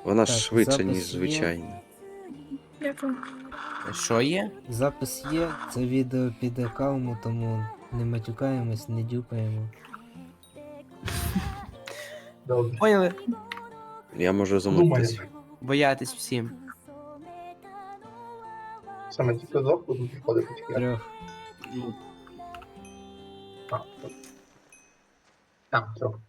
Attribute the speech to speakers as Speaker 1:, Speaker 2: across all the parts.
Speaker 1: Вона
Speaker 2: Так,
Speaker 1: швидше,
Speaker 2: запис
Speaker 1: ніж
Speaker 2: є.
Speaker 1: звичайно.
Speaker 3: Дякую.
Speaker 4: Що є?
Speaker 2: Запис є, це відео піде калму, тому не матюкаємось, не дюпаємо.
Speaker 5: Добре.
Speaker 4: Поняли?
Speaker 1: Я можу
Speaker 5: Думаю.
Speaker 1: замовитись.
Speaker 4: Боятись всім.
Speaker 5: Саме тільки двох буду приходити тільки.
Speaker 2: Трьох.
Speaker 4: Ну,
Speaker 5: А, так. Там, трьох.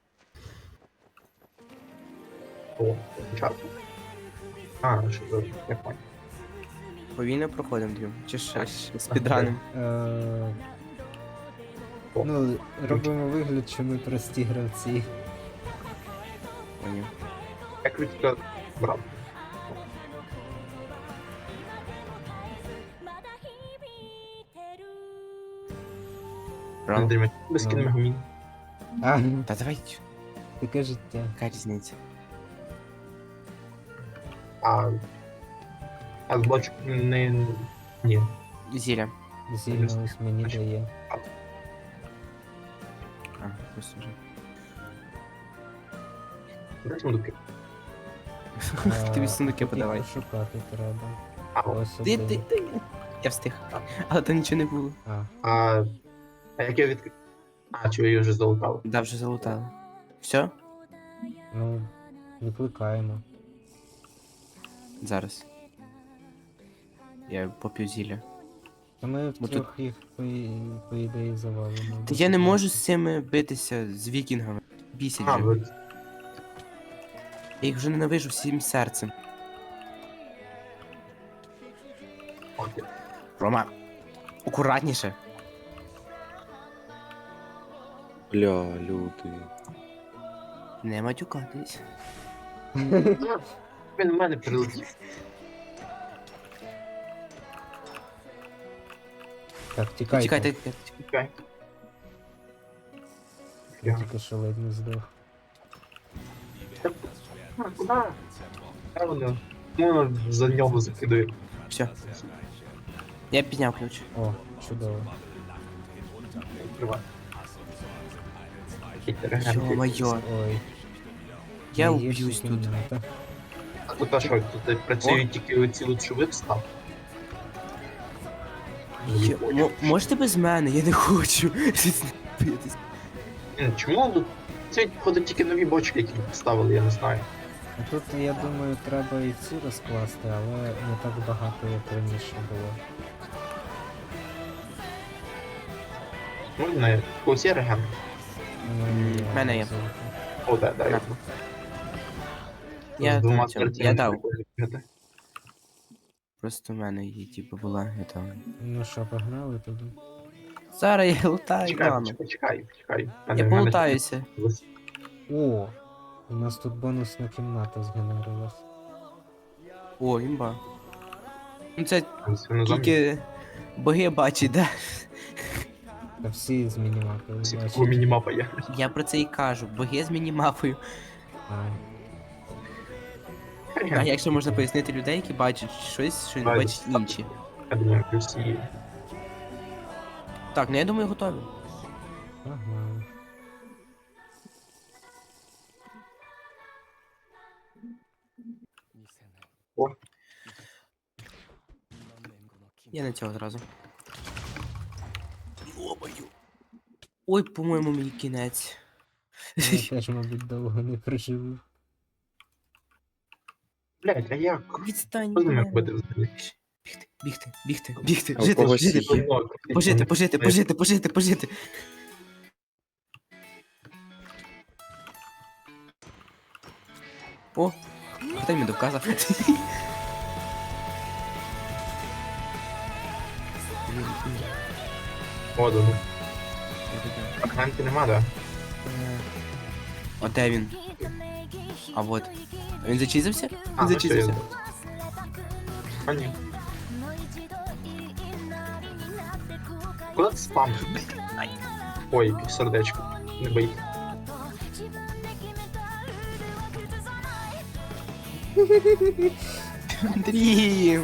Speaker 5: О, початку. А, що добре, я понял.
Speaker 4: повільно проходимо Дім. Чи ще спідраним.
Speaker 2: Ну, робимо вигляд, що ми прості гравці.
Speaker 4: Поняв.
Speaker 5: Як ви тільки брав?
Speaker 4: Правда?
Speaker 5: Андрій, без
Speaker 2: Ну.
Speaker 5: кінемагомін.
Speaker 2: А,
Speaker 4: Та давай,
Speaker 2: таке життя.
Speaker 4: яка різниця?
Speaker 5: А з бочок не... Ні.
Speaker 4: Зілля.
Speaker 2: Зільно ось мені дає.
Speaker 4: А, просто вже.
Speaker 5: Де сундуки?
Speaker 4: Тобі сундуки
Speaker 2: тут
Speaker 4: подавай.
Speaker 2: їх пошукати треба.
Speaker 5: А,
Speaker 2: Ось
Speaker 4: Ти.
Speaker 2: один.
Speaker 4: Я встиг. Але то нічого не було.
Speaker 5: а як я відкрив? А, чи ви її вже залутали?
Speaker 4: Да, вже залутали. Все?
Speaker 2: Ну, викликаємо.
Speaker 4: Зараз. Я поп'ю зілля.
Speaker 2: Та ми
Speaker 4: Бо
Speaker 2: втрьох їх по ідеї завалимо.
Speaker 4: Та я не можу з цими битися, з вікінгами. Бісять
Speaker 5: А,
Speaker 4: вже.
Speaker 5: ви...
Speaker 4: Я їх вже ненавижу всім серцем.
Speaker 5: Окей.
Speaker 4: Рома, акуратніше.
Speaker 1: Бля, люди.
Speaker 4: Не матюкатись.
Speaker 5: Він в мене прилетів.
Speaker 2: Так, тікайте.
Speaker 4: Чекайте.
Speaker 5: Чекай.
Speaker 2: Я тільки що ледь не здох.
Speaker 5: А, куди? Я воно. Ну, за нього закидаю.
Speaker 4: Все. Я підняв ключ.
Speaker 2: О, чудово.
Speaker 5: Відкривай. Який регент.
Speaker 4: Йо-моє.
Speaker 2: Ой.
Speaker 4: Я
Speaker 2: найгірша
Speaker 4: уб'юсь тут.
Speaker 2: кімната.
Speaker 5: А тут а що, тут працюють тільки оці лучшові встав?
Speaker 4: Можете без мене? Я не хочу. Битись.
Speaker 5: Чому тут? Це ходять тільки нові бочки, які поставили, я не знаю.
Speaker 2: А тут, я думаю, треба і ці розкласти, але не так багато, як раніше було.
Speaker 5: Можна когось є регент?
Speaker 4: В мене є.
Speaker 5: О, да, да, я.
Speaker 4: Я
Speaker 5: З двома
Speaker 4: тут цьому,
Speaker 5: картинами
Speaker 4: я дав.
Speaker 5: прикольно виглядає.
Speaker 4: Просто в мене її, типу, була, я там.
Speaker 2: Ну що, погнали туди?
Speaker 4: Зараз я лутаю,
Speaker 5: Чекай,
Speaker 4: мама.
Speaker 5: чекай.
Speaker 4: Я полутаюся.
Speaker 2: О! У нас тут бонусна кімната згенерилась.
Speaker 4: О, імба. Ну це тільки боги бачать, да?
Speaker 2: Та всі з мінімапою
Speaker 5: Такого
Speaker 2: бачать.
Speaker 5: мінімапа є.
Speaker 4: Я про це і кажу. Боги з мінімапою.
Speaker 2: Ай.
Speaker 4: А як ще можна пояснити людей, які бачать щось, що не
Speaker 5: Ай,
Speaker 4: бачать інші?
Speaker 5: Я думаю, плюс є.
Speaker 4: Так, ну я думаю, готові.
Speaker 2: Погнали.
Speaker 5: О,
Speaker 4: Я на цього зразу. Ой, по-моєму, мій кінець.
Speaker 2: Я теж, мабуть, довго не проживу.
Speaker 5: блядь, а як?
Speaker 4: Відстань.
Speaker 5: Що з ними
Speaker 4: від мене.
Speaker 5: робити взагалі?
Speaker 4: Бігти.
Speaker 1: А у
Speaker 4: Жити,
Speaker 1: когось
Speaker 4: жити,
Speaker 1: є?
Speaker 4: пожити. О, хто мені доказав?
Speaker 5: О, ну. Фрагменти нема, да?
Speaker 4: О, де він? А вот. Він зачизився?
Speaker 5: А,
Speaker 4: Він
Speaker 5: ну що я
Speaker 4: зачизився.
Speaker 5: знаю. А ні. Куди ти спам? Ой, яке сердечко. Не боїть.
Speaker 4: Андрій!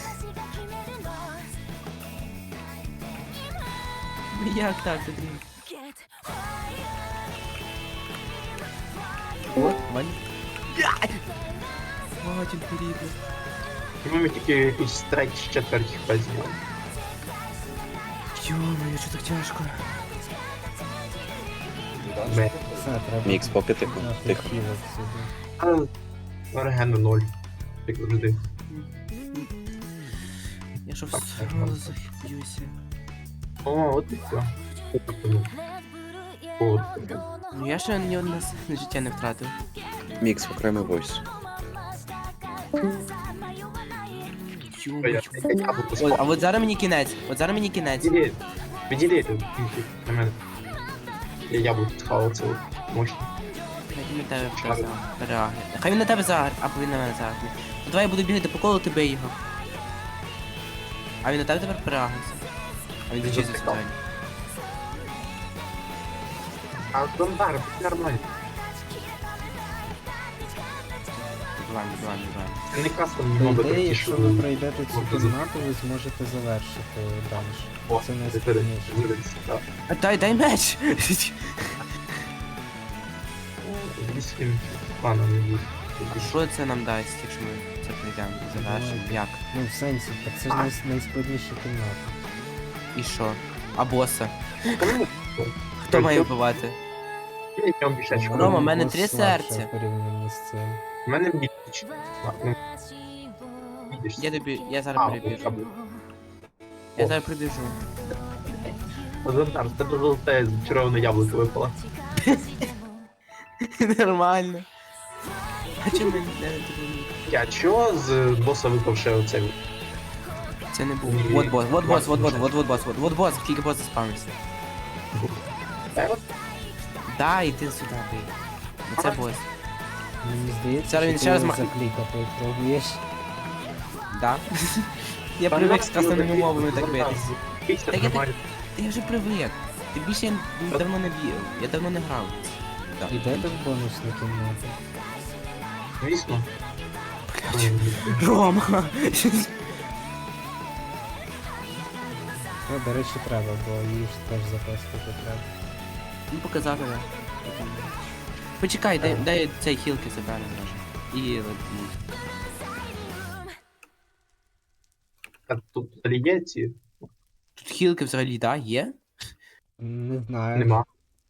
Speaker 4: Ну як так, Андрій? О, Ваня. Матінку рідну.
Speaker 5: І ми тільки якісь треті, четверті хп зняли.
Speaker 4: Йо-моє, що так тяжко.
Speaker 5: Бе.
Speaker 2: Все, треба.
Speaker 1: Мікс, поки тихо, тихо.
Speaker 2: Хілок сюди.
Speaker 5: Регену 0. Як завжди.
Speaker 4: Я що
Speaker 5: Так,
Speaker 4: все
Speaker 5: так, так.
Speaker 4: захиб'юся.
Speaker 5: О, от і все. От.
Speaker 4: Ну я ще ні одне життя не втратив.
Speaker 1: Мікс, окремий войс.
Speaker 4: Йо-моє.
Speaker 5: Яблуко
Speaker 4: Ой,
Speaker 5: спав.
Speaker 4: а от зараз мені кінець. От зараз мені кінець.
Speaker 5: Відійди на мене. Я яблуко схавав це мощно.
Speaker 4: Хай він на тебе переагне. Хай він на тебе загар, або він на мене загне. Ну давай я буду бігати по колу, ти бий його. А він на тебе тепер переагнеться. А він зачистив
Speaker 5: Затикав.
Speaker 4: сьогодні.
Speaker 5: А Дондар, будь нормально.
Speaker 4: Добиваємо.
Speaker 5: Це не кастом
Speaker 2: По
Speaker 5: немного
Speaker 2: ідеї, якщо ви
Speaker 5: що...
Speaker 2: пройдете цю кімнату, ви зможете завершити данж.
Speaker 5: О,
Speaker 2: Це не
Speaker 5: це
Speaker 2: складніше.
Speaker 4: А дай меч!
Speaker 5: Вісім планом не буде.
Speaker 4: Що це нам дасть, якщо ми це пройдемо? Завершимо? Як?
Speaker 2: Ну, в сенсі, так це ж найскладніша кімната.
Speaker 4: І що? А боса? Хто має вбивати?
Speaker 5: Я бішечку.
Speaker 4: Рома,
Speaker 2: По-моєму,
Speaker 4: в мене
Speaker 2: бос
Speaker 4: 3
Speaker 2: слабше
Speaker 4: серця.
Speaker 2: в порівнянні з цим.
Speaker 5: У мене бічич. Ну, бачиш.
Speaker 4: Я зараз прибіжу. Я зараз прибіжу.
Speaker 5: Зонтар, з тебе золоте зачароване яблуко випало.
Speaker 4: Нормально. А чому ми не робимо?
Speaker 5: Я чого з боса випав ще оцей?
Speaker 4: Це не був. Вот бос, тільки бос заспавнився. Да, іди сюди, бий. Це бос.
Speaker 2: Мені здається,
Speaker 4: Зараз він
Speaker 2: що
Speaker 4: ще раз
Speaker 2: ти
Speaker 4: мах-
Speaker 2: заклікати пробуєш.
Speaker 4: Да? Я привик з кастомними мовами так битись.
Speaker 5: Бійся,
Speaker 4: Так я
Speaker 5: нормально.
Speaker 4: Та я вже привик. Ти більше я давно не б'ю. Я давно не грав. Так.
Speaker 2: Ідете в бонусну кімнату.
Speaker 5: Звісно.
Speaker 4: Рома!
Speaker 2: Ну, до речі, треба, бо її ж теж запестити треба.
Speaker 4: Ну показав я. Почекай, дай цей хілки заберемо може. І
Speaker 5: А тут взагалі є ці?
Speaker 4: тут хілки взагалі, да, є?
Speaker 2: Не знаю.
Speaker 5: Нема.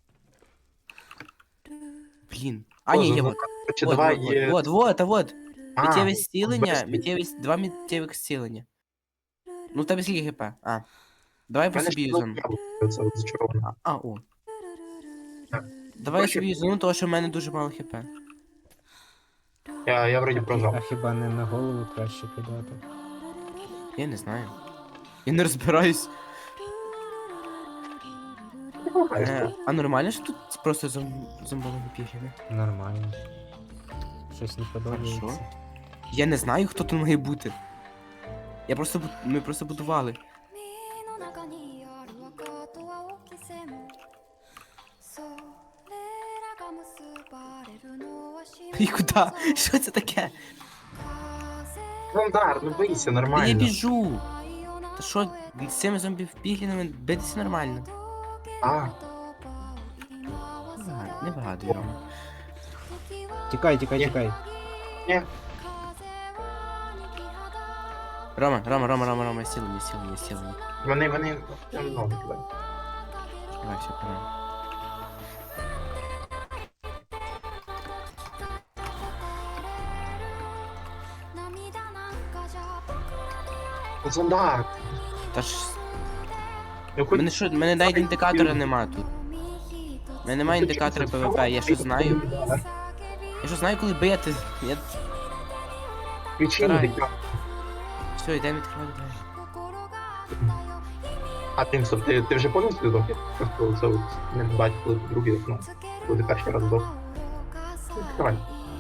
Speaker 4: Блін. А, ні, є, вот.
Speaker 5: Короче, давай є...
Speaker 4: Вот.
Speaker 5: А,
Speaker 4: Миттєве зцілення,
Speaker 5: без-
Speaker 4: два миттєвих зцілення. Ну, в тебе скільки хп? А. Давай
Speaker 5: в
Speaker 4: по
Speaker 5: мене
Speaker 4: собі
Speaker 5: ж
Speaker 4: юзану.
Speaker 5: яблуко оце от зачароване.
Speaker 4: О.
Speaker 5: Так.
Speaker 4: Давай я
Speaker 5: Короче,
Speaker 4: собі юзану, тому що в мене дуже мало хп.
Speaker 5: Я вроді
Speaker 2: А
Speaker 5: прожав.
Speaker 2: хіба не на голову краще кидати?
Speaker 4: Я не знаю. Я не розбираюсь. А нормально, що тут просто зомбовані пігіни?
Speaker 2: Нормально. Щось не подобається.
Speaker 4: Хорошо. Я не знаю, хто тут має бути. Ми просто будували.
Speaker 3: の中にある赤と青き線それらが結ばれるのは
Speaker 4: І куди? Що це таке?
Speaker 5: Зонтар, ну бийся,
Speaker 4: Та я
Speaker 5: нормально.
Speaker 4: біжу. Та що, з цими зомбі-піглінами битися нормально?
Speaker 5: А,
Speaker 4: Не вигадуй, Рома.
Speaker 2: Тікай.
Speaker 5: ні.
Speaker 4: Рома, сілені.
Speaker 5: Вони... Ну,
Speaker 4: Давай, все, пора.
Speaker 5: Зонтар.
Speaker 4: Та ж,
Speaker 5: Ну, хоч...
Speaker 4: мене навіть індикатора нема тут. У мене немає індикатора ПВП, я що знаю. Я що знаю, коли бити. Я...
Speaker 5: Ключі
Speaker 4: Старай.
Speaker 5: індикатор.
Speaker 4: Все, йдемо відкривати двері.
Speaker 5: А ти вже повністю здох? Просто це от не бачу, коли ти другий вікно. Коли ти перший раз здох. Давай.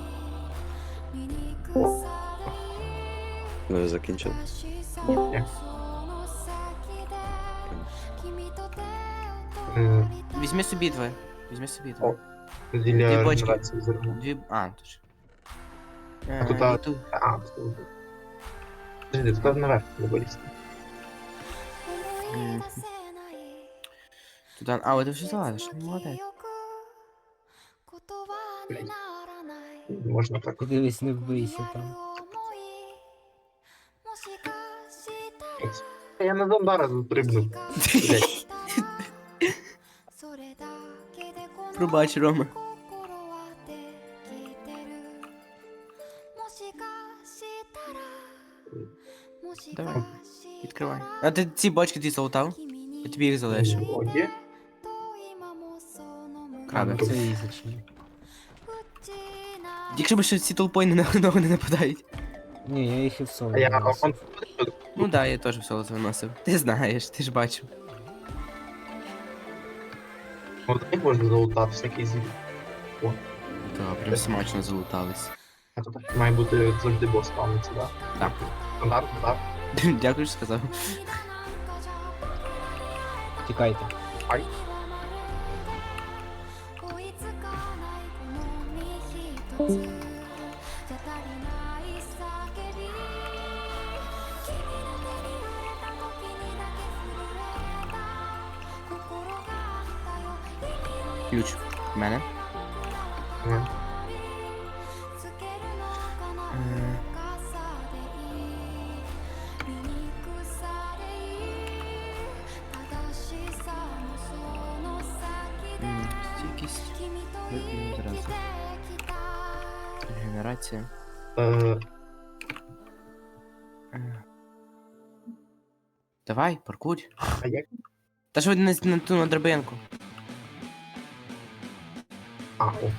Speaker 1: Ми закінчили.
Speaker 5: Ні. Е,
Speaker 4: Візьми собі двоє.
Speaker 5: О.
Speaker 4: Дві
Speaker 5: Для
Speaker 4: бочки.
Speaker 5: регенерації зерна.
Speaker 4: Тож.
Speaker 5: А тут,
Speaker 4: І тут.
Speaker 5: тут. Подожди, тут наверх треба вилізти.
Speaker 4: Туди. А, от ти вже залазиш. Молодець.
Speaker 5: Блядь. Можна так.
Speaker 2: Ти дивись, не вбийся там.
Speaker 5: Я на Донбара застрибнув. Блядь.
Speaker 4: Пробач, Рома. Давай, відкривай. А ти ці бочки ті залутав? Я тобі їх залишу.
Speaker 5: О, є?
Speaker 4: Краби.
Speaker 2: Це ізичні.
Speaker 4: Якщо б ще ці толпою на ногу не нападають.
Speaker 2: Ні, я їх і в соло
Speaker 5: А я
Speaker 2: виносив.
Speaker 4: Ну да, я теж в соло виносив. Ти знаєш, ти ж бачив.
Speaker 5: От як можна залутати всякий звір.
Speaker 4: Так, прям смачно залутались.
Speaker 5: А то так має бути завжди бос спавниться, да?
Speaker 4: Так.
Speaker 5: Стандартно, так?
Speaker 4: Дякую, що сказав.
Speaker 2: Тікайте.
Speaker 5: Ай.
Speaker 4: Ключ. В мене.
Speaker 5: Ні.
Speaker 4: Стійкість. Зразу. Генерація. Давай, паркур.
Speaker 5: А як?
Speaker 4: Та ж ви на ту на драбинку.
Speaker 5: А, о.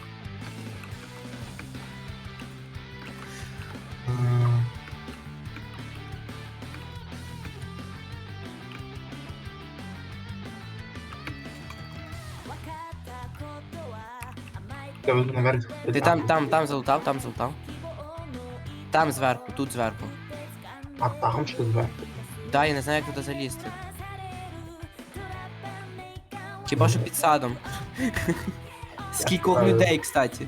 Speaker 5: Я веду наверх.
Speaker 4: Ти там залутав, там залутав. Там зверху, тут зверху.
Speaker 5: А там що зверху?
Speaker 4: Да, я не знаю, як туди залізти. Хіба що під садом. Скількох людей, кстати.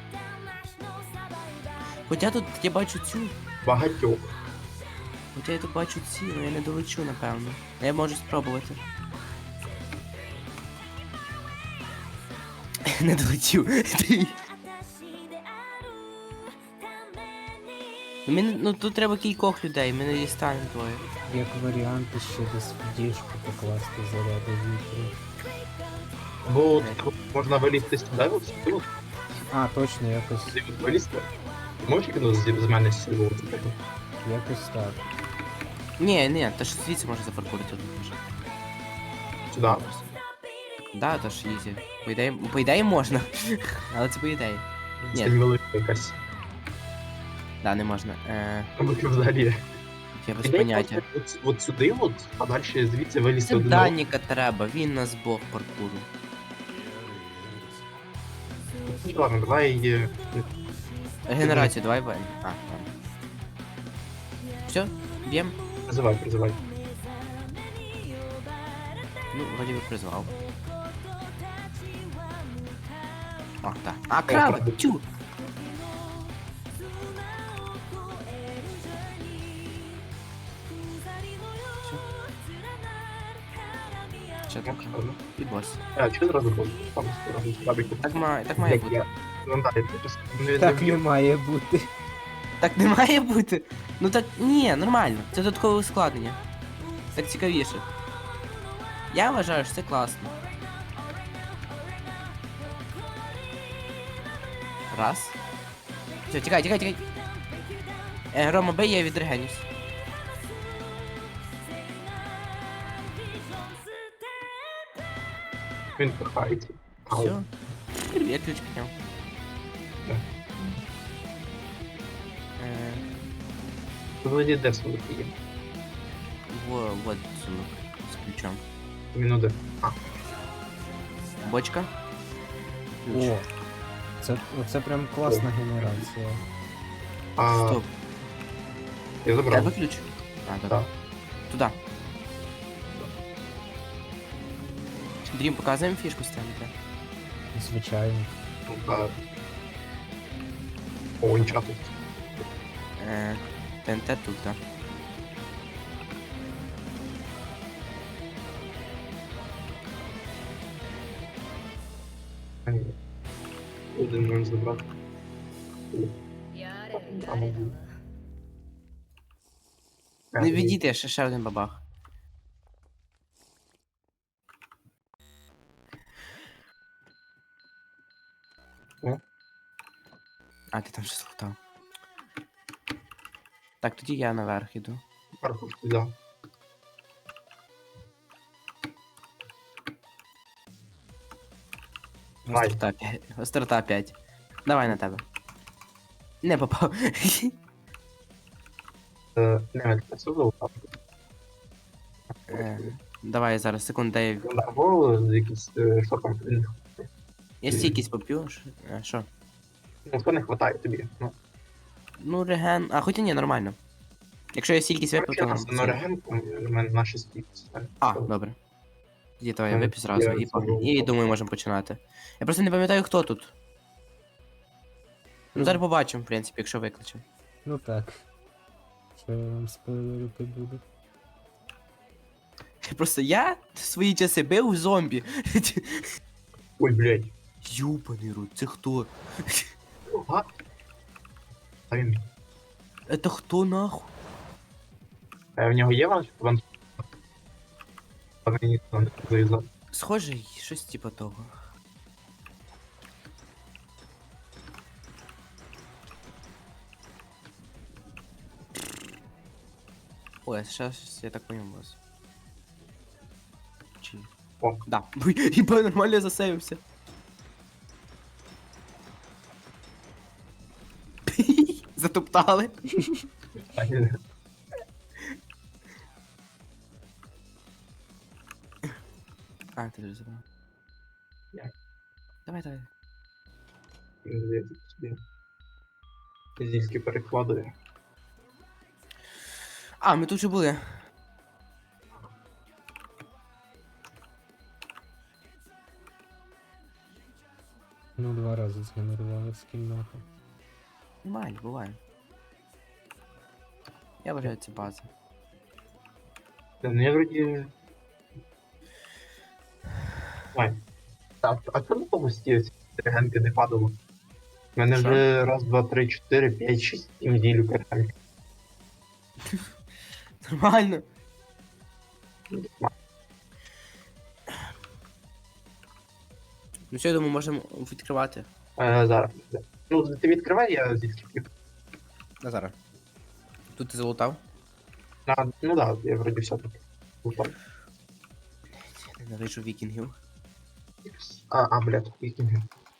Speaker 4: Хоча тут я бачу цю.
Speaker 5: Багатьох.
Speaker 4: Хоча я тут бачу ці, але я не долечу, напевно. Я можу спробувати. Не долетів. Ну тут треба кількох людей, ми не дістанемо двоє.
Speaker 2: Як варіант ще десь в діжку покласти заряди вітру.
Speaker 5: Бо от можна вилізти сюди, от сюди,
Speaker 2: А, точно, якось
Speaker 5: от вилізти. Можеш кинути з мене сіло?
Speaker 2: якось так.
Speaker 4: Ні, та ж звідси можна запаркурити тут може.
Speaker 5: Сюди.
Speaker 4: Да, то ж ізі. По ідеї можна. Але це по ідеї.
Speaker 5: Це
Speaker 4: Ні,
Speaker 5: велика якась.
Speaker 4: да, не можна.
Speaker 5: Тому що взагалі.
Speaker 4: Я без
Speaker 5: Ідея
Speaker 4: поняття.
Speaker 5: от сюди, от, а далі звідси вилізти
Speaker 4: Це
Speaker 5: один.
Speaker 4: Даніка треба, він нас бог паркуру.
Speaker 5: Ладно, давай
Speaker 4: Регенерацію, давай бен. А, там. Все, б'єм.
Speaker 5: призивай.
Speaker 4: Ну, вроді би призвав. О, так. А, краби! Тю! Все. Що там? І бос.
Speaker 5: А, чого зразу був? Там зразу слабенько.
Speaker 4: Так має бути.
Speaker 5: Ну так, я просто не
Speaker 2: Так не має бути.
Speaker 4: Так не має бути. Ну так ні, нормально. Це додаткове ускладнення. Так цікавіше. Я вважаю, що це класно. Раз. Все, тікай. Рома, бей, я відрегенюсь.
Speaker 5: Він пихається.
Speaker 4: Все. Я ключ підняв.
Speaker 5: Так.
Speaker 4: Е,
Speaker 5: Владі де свої є?
Speaker 4: вот сумок з ключом.
Speaker 5: Він один. А,
Speaker 4: Бочка. Ключ.
Speaker 2: О, це прям класна генерація.
Speaker 4: Стоп.
Speaker 5: Я
Speaker 4: Тебе
Speaker 5: забрав.
Speaker 4: ключ? А, добре.
Speaker 5: Так.
Speaker 4: Туда. Дрім, показуємо фішку ставити.
Speaker 2: Звичайно.
Speaker 5: Ну, так. О, нічого тут.
Speaker 4: ТНТ тут, так.
Speaker 5: Один можна забрати. туди. А, ну,
Speaker 4: Не відійти, ще один бабах.
Speaker 5: О.
Speaker 4: А, ти там щось лутав. Так, тоді я наверх іду.
Speaker 5: Паркушку взяв. Давай.
Speaker 4: Острота 5. Давай на тебе. Не попав.
Speaker 5: Не, це золото.
Speaker 4: Давай зараз, секунду, дай.
Speaker 5: Або якісь, що там,
Speaker 4: Я стійкість поп'ю. Що?
Speaker 5: ну, що не хватає тобі. Ну,
Speaker 4: Ну, реген. А, хоча ні, нормально. Якщо я стійкість випив, то...
Speaker 5: на регенку, у мене на 6 кількість.
Speaker 4: А, добре. Тоді давай я вип'ю зразу
Speaker 5: Я
Speaker 4: і,
Speaker 5: забув.
Speaker 4: і думаю, можемо починати. Я просто не пам'ятаю, хто тут. Ну, зараз побачимо, в принципі, якщо викличемо.
Speaker 2: Ну так. Що я вам спойлерити буду?
Speaker 4: Просто я в свої часи бив зомбі.
Speaker 5: Ой, блядь.
Speaker 4: Юбаний рот, це хто?
Speaker 5: А? А він.
Speaker 4: Это хто нахуй?
Speaker 5: В нього є ван? А мені там не завізав.
Speaker 4: Схоже, щось типа того. Ой, сейчас я так понял вас. Чи?
Speaker 5: О.
Speaker 4: Да. Ебать, нормально я засейвився. Затоптали. А, ти вже забрав.
Speaker 5: Як?
Speaker 4: Давай, давай.
Speaker 5: Зільський перекладує.
Speaker 4: А, ми тут вже були.
Speaker 2: Ну, 2 рази згенерували скін нахуй.
Speaker 4: Нормально, буває. Я вважаю, це база.
Speaker 5: Ну, я вроді... Ой. А чому на тому стілі регенки не падало? У мене
Speaker 4: Що?
Speaker 5: вже раз, два, три, чотири, п'ять, шість неділю регенки.
Speaker 4: Нормально. Ну що, я думаю, можемо відкривати.
Speaker 5: Зараз. Ну, ти відкривай, я зільський.
Speaker 4: Назара. Тут ти залутав?
Speaker 5: Ну да, я вроді все тут. Упав.
Speaker 4: Ненавиджу вікінгів.
Speaker 5: Блядь, вікінги.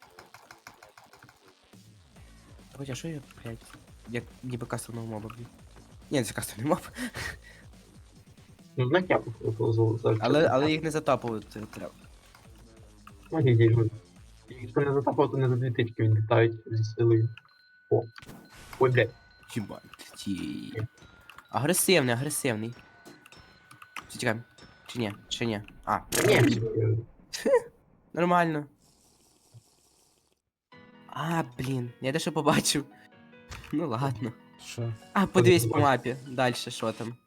Speaker 4: Хоча що я, блядь, як ніби кастомного моба б'ю. Ні, це кастомний моб.
Speaker 5: Ну, знак я повезу за
Speaker 4: Але їх не затапувати треба.
Speaker 5: Ну, неділю. Якщо не затапав, то не за 2 тички відлітають зі силою. О. Ой, блядь.
Speaker 4: Їбать, ті. Агресивний, агресивний. Все, тікаємо. Чи ні? Чи ні? А,
Speaker 5: Ні,
Speaker 4: нормально. А, блін, я дещо побачив. Ну ладно.
Speaker 2: Що?
Speaker 4: А, подивись по мапі. Дальше що там.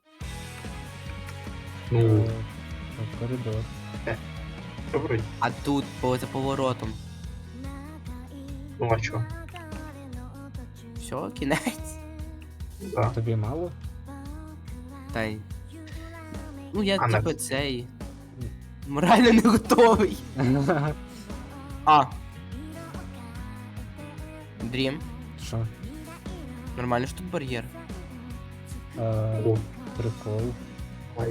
Speaker 5: ну,
Speaker 2: Коридор.
Speaker 5: що вроді.
Speaker 4: А тут за поворотом.
Speaker 5: Ну, а що?
Speaker 4: Все, кінець.
Speaker 5: Да.
Speaker 2: Тобі мало?
Speaker 4: Та й. Ну я
Speaker 5: А,
Speaker 4: типу
Speaker 5: на-
Speaker 4: цей. Морально не готовий. А. Дрім.
Speaker 2: Що?
Speaker 4: Нормально ж тут бар'єр.
Speaker 5: О,
Speaker 2: Прикол.
Speaker 5: ай.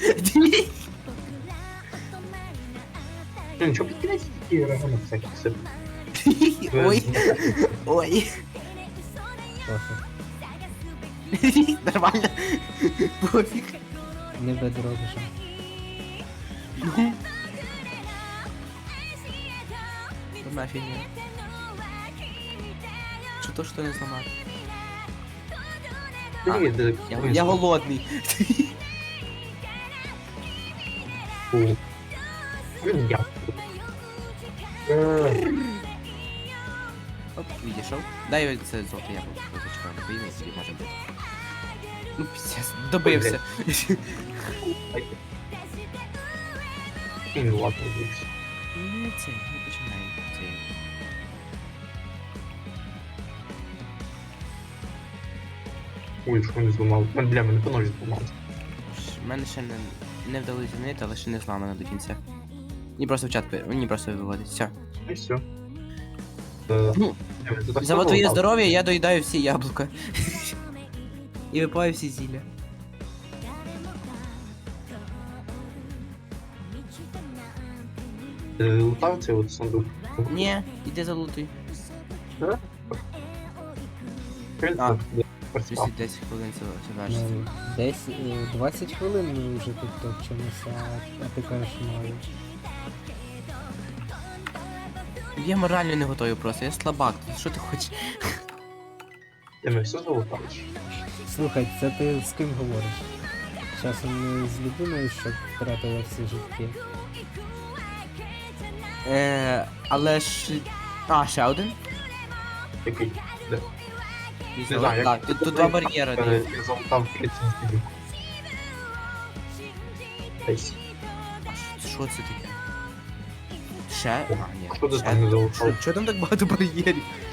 Speaker 5: Ну, нічого, підкидайся такі регенок всяких сип.
Speaker 4: Ой. Ой.
Speaker 2: Пофіг.
Speaker 4: Нормально. Пофіг.
Speaker 2: Не бедробіша.
Speaker 4: Одна фігня. Що то, що не зламати?
Speaker 5: Привіт,
Speaker 4: Я голодний.
Speaker 5: Я.
Speaker 4: Оп, відійшов. Дай це золоте яблуко, зачекаю, не поїм, і може бути. Ну, піздець, добився.
Speaker 5: Ну, ладно, дивись.
Speaker 4: Не це, не починай. Це.
Speaker 5: Ой, що не зламав. Бля, мене по ножі зламався.
Speaker 4: У мене ще не вдалося змінити, але ще не зламано до кінця. Мені просто в чат, мені просто виводить. Все.
Speaker 5: І все.
Speaker 4: Ну, За твоє здоров'я я доїдаю всі яблука. І випиваю всі зілля.
Speaker 5: Ти лутав цей от сундук?
Speaker 4: Ні, іди залутуй.
Speaker 5: Він
Speaker 4: А.
Speaker 5: працював.
Speaker 4: 10 хвилин це завершиться.
Speaker 2: Ну, десь 20 хвилин ми вже тут топчемося, а ти кажеш мало.
Speaker 4: Я морально не готовий просто, я слабак. Що ти хочеш?
Speaker 5: Ти ми все залутав?
Speaker 2: Слухай, це ти з ким говориш? Часом не з людиною, що втратила всі житки.
Speaker 4: Але ж... А, ще один?
Speaker 5: Який? Де?
Speaker 4: Візьму.
Speaker 5: знаю, як-
Speaker 4: Так, тут два бар'єри.
Speaker 5: Я залутав 30 слідів. Десь.
Speaker 4: Що це таке? Ще? А, ні.
Speaker 5: Хто ти
Speaker 4: ще.
Speaker 5: там не залутав?
Speaker 4: Що там так багато бар'єрів?